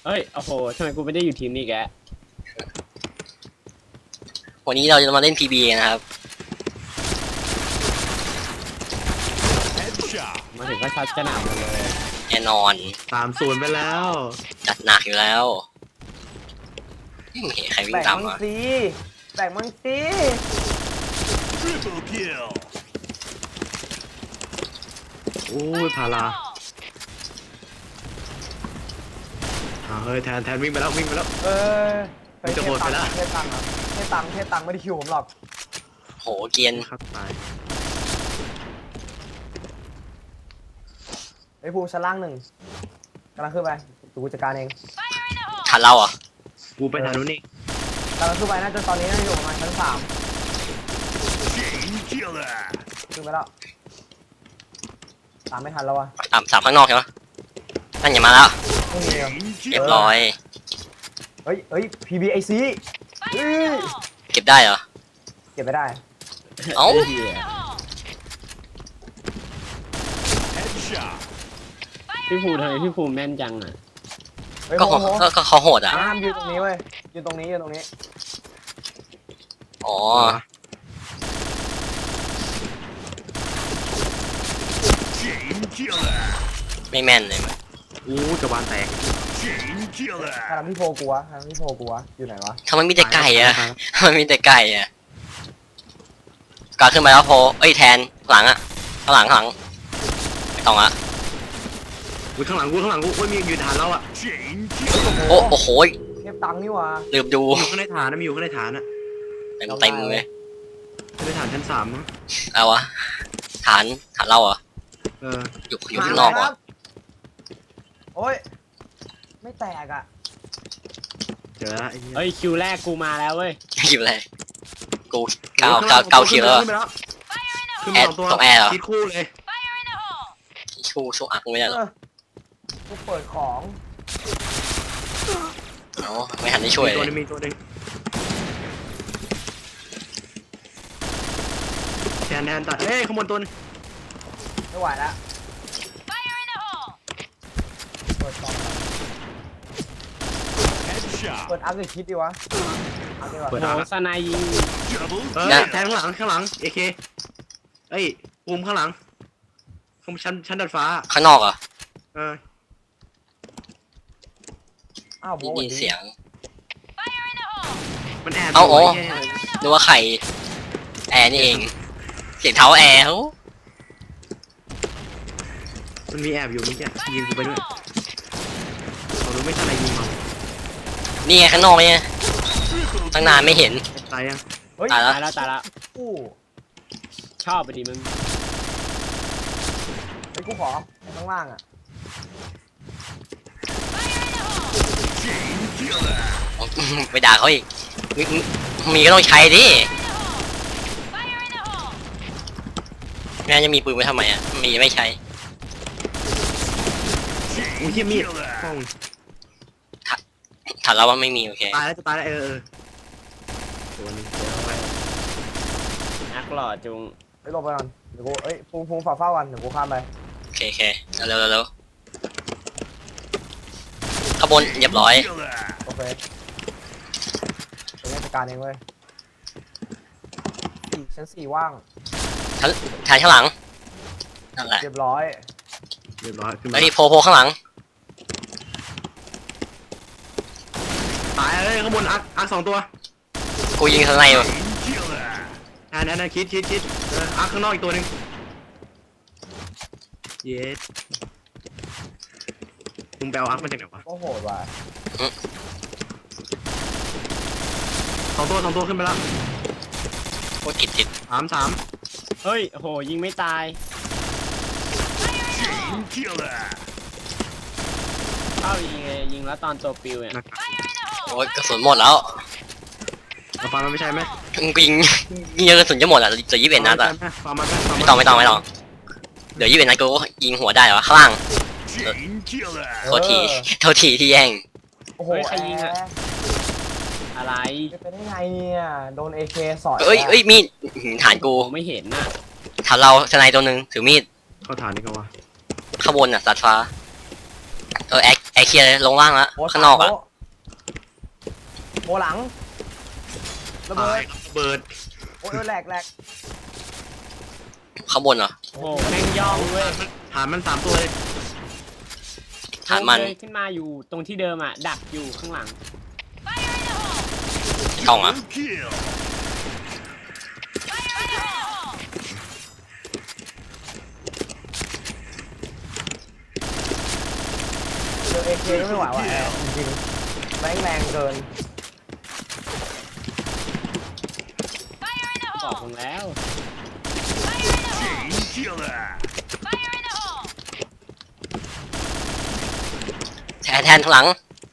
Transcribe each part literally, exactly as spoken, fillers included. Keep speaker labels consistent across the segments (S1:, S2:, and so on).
S1: เอ้ยโอ้โหทำไมกูไม่ได้อยู่ทีมนี้แก
S2: วันนี้เราจะมาเล่น พี บี กันนะครับ
S1: มาถึงก็ช็อตกระหน่ำมาเลย
S2: แน่นอน
S3: สามศูนย์ไปแล้ว
S2: จัดหนักอยู่แล้วไม่เห็นใครวิ่ง
S4: แบ่ง
S2: ตาม
S4: มัง
S2: มา
S4: ซีแบ่งมังซี
S3: โอ้ยพาราอ่าเฮ้ยแทนแทนวิ่งไปแล้ววิ่งไปแล้ว
S4: เออ
S3: มันจะหมดไปแล้ว
S4: เทตังค์ครับเทตังค์เทตังค์ไม่ได้คิวผมหรอก
S2: โหเกียน
S3: ครับตาย
S4: ไอ้ภูชั้นล่างหนึ่งกำลังขึ้นไปดูกูจัดการเอง
S2: ทันเราอ่ะ
S3: กูไปทางนู้นนี่
S4: กำลังขึ้นไปน่าจะตอนนี้น่าจะอยู่ประมาณชั้นสามขึ้นไปแล้วตามไม่ทันแล้ววะ
S2: ตามสามข้างนอกใช่ไหมนั่นอย่ามาแล้ว
S4: ไม่มีอะ
S2: เรียบร้อย
S4: เฮ้ยเฮ้ย พี บี ไอ ซี เฮ้ย
S2: เก็บได้เหรอ
S4: เก็บไม่ได้
S2: เอ้า
S1: เหี้ยพี่ภูทำไมพี่ภูแม่นจังอ่ะ
S4: เฮ้ย
S2: ก็
S4: โห
S2: เขา
S4: โห
S2: ก็ก็เขาโหดอ่ะ
S4: ห้ามยืนตรงนี้เว้ยยืนตรงนี้ยืนตรงนี้
S2: อ๋อ ไม่แม่นเลยมั้ย
S3: โอ้ยกระบาลแตก
S4: ทางพี่โพกลัวทางพี่โพกลัวอยู่ไหนวะ
S2: ทำไมมีแต่ไก่อ่ะทำไมมีแต่ไก่อ่ะกาขึ้นมาแล้วโพเอ้ยแทนหลังอ่ะข้างหลังข้างหลังไม่ต้องอ่ะ
S3: กูข้างหลังกูข้างหลังกูโอ้ยมีอยู่ฐานเราอ่ะ
S2: โอ้โอ้โห
S4: เทปตังค์นี่วะ
S2: ลืมดู
S3: มีอยู่ข้างในฐานนะมีอยู่ข้างในฐานอ่ะ
S2: เต็มเต็มเลย
S3: ข้างในฐานชั้นสามมั้ง
S2: เอาวะฐานฐานเราเหรอ
S3: เออ
S2: อยู่อยู่ข้างนอกเหรอ
S4: โอ้ยไม่แตกอ่ะ
S3: เจอแล้วไอ้เหี้ย
S1: เอ้ยคิวแรกกูมาแล้วเว้ย
S2: อยู่เลยกูเก้าเก้าเก้าคิวแล้ว
S3: ขึ้นไปแล้วขึ้น
S2: แอ
S3: ไป
S2: ด
S3: สองตัว
S2: ต้องแอร์เหรอ
S3: คิดคู่เลย
S2: ชูสู้อักไม่ได้หรอ
S4: เออกูเปิดของ
S2: อ๋อไม่ทันได้ช่วย
S3: มี
S2: เล
S3: ตัวย หนึงมีตัวหนึงแทนแทนตัดเอ้ยขโมยตัวหนึง
S4: ไม่ไหวแล้วเปิดกล่องเปิดอัพหรือคิดดีวะอัพดีกว่า
S3: เปิด
S1: โห
S3: อ่ะ
S1: สนายยิง
S3: เอ้ยแทนข้างหลังข้างหลังเอเคเอ้ยภูมิข้างหลังข้างชั้นชั้นดาดฟ้า
S2: ข้างนอกเหรอ
S3: เออ
S4: อ้าวโบ
S2: ได้ยินเสียง
S3: มันแอบ
S2: เอ้าโอ้
S3: ยู่ไหี้ย
S2: นึกว่าใครแอร์นี่เอง เสียงเท้าแอร์เขา
S3: มันมีแอบอยู่นี่แกยิงกูไปด้วยเรารู้ไม่ทันอะไรยิงมัน
S2: นี่ไงข้างนอกเนี่ยตั้งนานไม่เห็น
S3: ตายยัง
S4: เฮ้ย
S2: ตายแล้ว
S1: ตายแล้วตายแล้ว
S4: กู
S1: ชอบไปดิมึง
S4: ไอ้กูขอข้างล่างอ่ะ
S2: ไปด่าเขาอีกมีมีก็ต้องใช้ดิแม่จะมีปืนไว้ทำไมอ่ะมีไม่ใช้
S3: อุ้ยเหี้ยมีดป้อง
S2: ถามเราว่าไม่มีโอเค
S3: ตายแล้วจะตายแล้วเออเออตัวหนึงเดี๋ยวเอาไป
S1: นักหล่อจุง
S4: ไปหลบไปก่อนเดี๋ยวกูเอ้ยภูมิภูมิฝากเฝ้ากันเดี๋ยวกูข้ามไป
S2: โอเคโอเคเร็วเร็วเร็วขบวนเรียบร้อย
S4: โอเคเป็นราชการเองเว้ยสี่ชั้นสี่ว่าง
S2: ชั้นแทนข้างหลังนั่นแหละ
S4: เรียบร้อย
S3: เรียบร้อยขึ้นมา
S2: แล้วที่โพโพข้างหลัง
S3: ตายเลยข้างบนอักอักสองตัว
S2: กูยิงทนายอยู่
S3: อันนั้นอันคิดคิดคิดเอออักข้างนอกอีกตัวหนึงเย็ดมึงไปเอาอักมาจากไหนวะ
S4: ก็โหดว่ะ
S3: สองตัวสองตัวขึ้นไปแล้ว
S2: โคตรติดติด
S3: สามสาม
S1: เฮ้ยโหยิงไม่ตายเข้ายิงเลยยิงแล้วตอนตัวปิวเนี่ย
S3: หนัก
S2: โอ้ยกระสุนหมดแล้ว
S3: เอาฟันมันไม่ใช่ไหม
S2: กูยิงยิงกระสุนจะหมดอ่ะเหลือยี่สิบเอ็ดนัดอ่ะ
S3: ฟันมันไม่ฟัน
S2: ไม่ต้องไม่ต้องไม่ต้องเดี๋ยวยี่สิบเอ็ดนัดกูยิงหัวได้เหรอข้างล่างโทษทีโทษทีที่แย่ง
S4: โอ้โห
S1: เฮ้ยใครยิงอะ
S4: แร์
S1: อะไร
S4: เป็นได้ไงเนี่ยโดนเอเคสอย
S2: เอ้ยเอ้ยมีดอื้อหือฐานกู
S1: ผมไม่เห็นน่ะ
S2: ฐานเราทนายตัวหนึ่งถือมีด
S3: เข้าฐานนี่ก็วะ
S2: ข้างบนอ่ะสัตว์ฟ้าเออแอคแอร์เคลียร์เลยลงล่างแล้ว
S4: โอ้
S2: ข้างนอกอะ
S4: โโมหลังระเบิ
S3: ตาย
S4: ด
S3: ระเบิด
S4: โอ้ยแหลกแหลก
S2: ข้างบนเหรอ
S1: โอ้โหแม่งย่องเว้ย
S3: ฐานมันสามตัวเลย
S2: ฐานมัน
S1: เลยขึ้นมาอยู่ตรงที่เดิมอ่ะดักอยู่ข้างหลัง
S2: กล้องอะ
S5: Kill.
S4: เจอเอเคก็ไม่ไหวว่ะแอร์จริงๆแม่งแรงเกิน
S1: บอกผมแล้ว
S5: Chain killer.
S2: แทนแทนข้างหลัง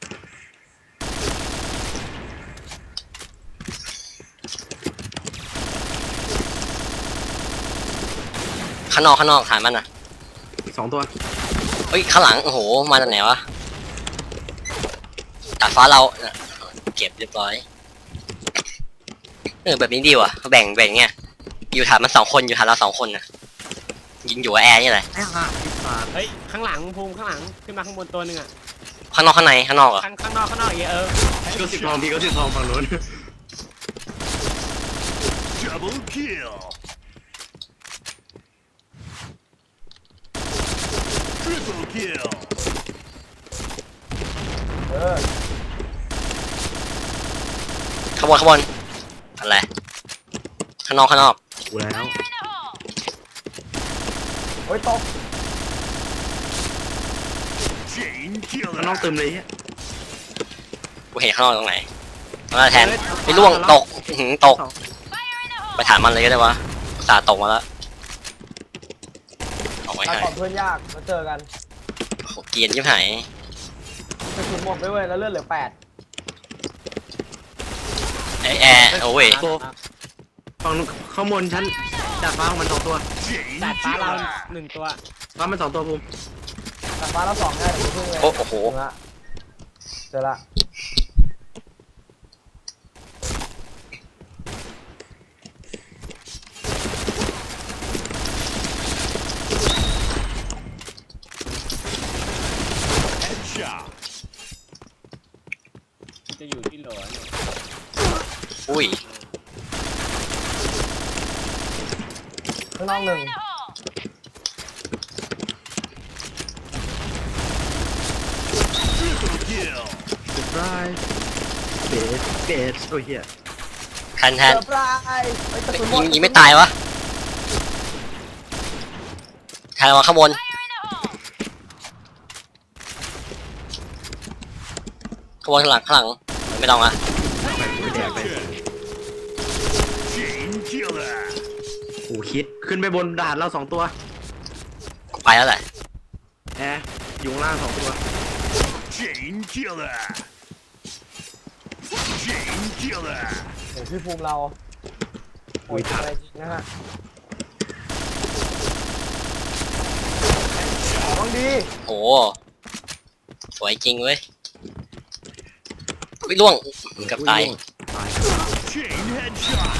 S2: ข้างนอกข้างนอกฐานมันอะ
S3: อีกสองตัว
S2: เฮ้ยข้างหลังโอ้โหมาจากไหนวะดาดฟ้าเราน่ะเก็บเรียบร้อยเออแบบนี้ดีว่ะแบ่งแบ่งเงี้ยอยู่ฐานมันสองคนอยู่ฐานเราสองคนนะยิงอยู่กับแอร์นี่แหละ
S3: ไอ้ห่าไอ้สัตว์
S1: เฮ้ยข้างหลังภูมิข้างหลังขึ้นมาข้างบนตัวหนึ่งอ่ะ
S2: ข้างนอกข้างในข้างนอกเหรอ
S1: ข้างข้างนอกข้างนอกอย่างเงี้ยเออ
S3: พี่ก็สิบทองพี่ก็สิบทองฝั่งนู้น
S5: Double kill. Triple kill.
S4: เออ
S2: ข้างบนข้างบนอะไรข้างนอกข้างนอก
S3: กูแล้ว
S4: โอ้ยตก
S5: Chain
S3: ข้างนอก
S5: killer.
S3: เติมเลยเฮีย
S2: กูเห็นข้างนอกตรงไหนมาแทนไปล่วงตกอื้อหือตกไปถามมันเลยก็ได้วะอุตสาห์ตกมาแล้วเอาไว้
S4: ถ้า
S2: ให้
S4: ก่อนเพื่อนยากมาเจอกัน
S2: โหเกรียนยิ่งหาย
S4: กระสุนหมดไปเว้ยแล้วเลือดเหลือแปด
S2: ไอแอร์โอ้ย
S3: ฝั่งนู้นข้างบนชั้นดาดฟ้าของมันสองตัว
S5: Chain
S1: ดาดฟ้าเรา
S5: killer.
S1: หนึ่งตัว
S3: ฟ้ามันสองตัวภูมิ
S4: แต่ฟ้าเราสองง่ายเดี๋ยวเพิ่งเลย
S2: โอ้โอ้โห
S4: ถึงละเจอละ
S5: Headshot.
S1: จะอยู่ที่โหลเนี่ย
S2: อุ้ย
S4: ข้างนอกหนึ่ง
S5: Triple kill.
S3: เซอร์ไพรส์เบสเบสโอ้ยเฮีย
S2: แทนแท
S4: เซอน ร์ไพรส์เฮ้ยกระสุนหม
S2: ยิ
S4: ด
S2: งยิงไม่ตายวะแทนมาข้างบนข้างบนข้างหลังข้างหลังไม่ต้องอะ
S3: ไปแดกไป
S5: Chain killer.
S3: โอ้คิดขึ้นไปบนดาดเราสองตัว
S2: กูไปแล้วแหละ
S3: แอร์อยู่ข้างล่างสองตัว
S5: Chain killer. Chain killer.
S4: เดี๋ยวพี่ภูมิเราโอ้ยอะไรจริงนะฮะต้องดี
S2: โอ้สวยจริงเว้ยอุ้ยล่วงเกับตาย
S3: ตาย
S5: Chain headshot.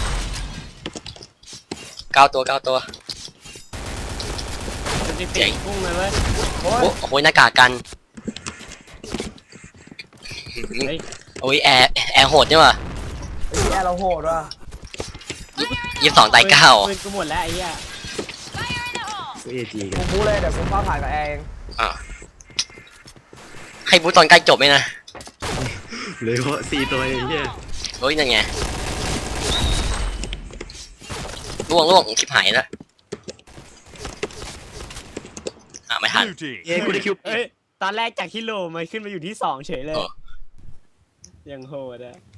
S2: เก้าตัวเก้าตัว
S1: จะติดติดพุ่งเลยเว้ย
S4: โอ้ย
S2: โอ้โหหน้ากากกัน
S1: เฮ้ย
S2: โอ้ยแอร์แอร์โหดนี่ว่ะ
S4: ไอ้ที่แอร์เราโหดว่ะ
S2: ยี่สิบสองตายเก้า
S1: ปืนกูหมดแล้วไอ้เหี้ย
S3: กูเอจีกั
S4: กู
S3: น
S4: บู๊เลยเดี๋ยวกูฟ้าผ่านกับแอร์เอง
S2: อ่ะให้บูตตอนใกล้จบไหมนะ
S3: เหลยว่าสี่ตัวเองเฮีย
S2: โอ้ยนั่นไงล่วงล่วงชิบหายแล้วอ่ะไม่ทัน
S5: Blue team.
S3: เอ้ยกูได้คิว
S1: เอ้ยตอนแรกจากที่โหลมันขึ้นมาอยู่ที่สองเฉยเลย
S2: เออ
S1: ยังโหดอะ